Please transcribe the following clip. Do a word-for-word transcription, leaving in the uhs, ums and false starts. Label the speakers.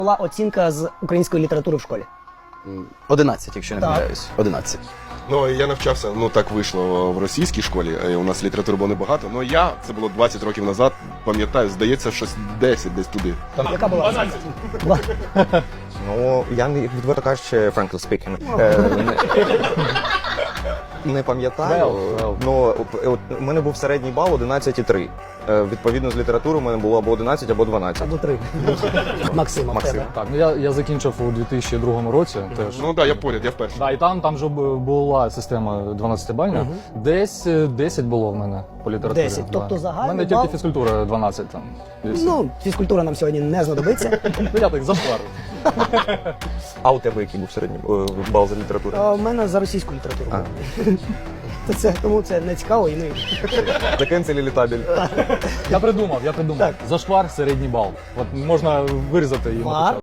Speaker 1: Була оцінка з української літератури в школі.
Speaker 2: одинадцять, якщо не
Speaker 1: Так.
Speaker 2: помиляюсь. одинадцять.
Speaker 3: Ну, я навчався, ну так вийшло в російській школі, е, у нас літератури було небагато, але я, це було двадцять років назад, пам'ятаю, здається, щось десять десь туди.
Speaker 1: Яка була? Два.
Speaker 4: Ну, я не відверто кажучи, frankly speaking, е, не, не пам'ятаю.
Speaker 2: Well, well.
Speaker 4: Ну, от у мене був середній бал одинадцять і три. Е, Відповідно з літератури у мене було або одинадцять, або дванадцять.
Speaker 1: Або три. Максима, в
Speaker 4: Максим.
Speaker 1: тебе.
Speaker 5: Так, ну я, я закінчив у дві тисячі другому році теж.
Speaker 3: Ну так, да, я поряд, я вперше.
Speaker 5: Да, і там, там же бу- була система дванадцятибальна. Десь е, десять було в мене по літературі.
Speaker 1: десять, тобто
Speaker 5: да.
Speaker 1: загальний
Speaker 5: У мене
Speaker 1: бал-
Speaker 5: тільки фізкультура дванадцять там. І все.
Speaker 1: Ну, фізкультура нам сьогодні не знадобиться.
Speaker 5: Ну, я так зашкварив.
Speaker 4: А у тебе який був середній е, бал за літературу?
Speaker 1: А в мене за російську літературу. Це, це, тому це не цікаво і ми...
Speaker 4: Закенцелі літабель.
Speaker 5: Я придумав, я придумав.
Speaker 1: Так.
Speaker 5: Зашквар середній бал. От можна вирізати і
Speaker 1: Ва.
Speaker 5: написати.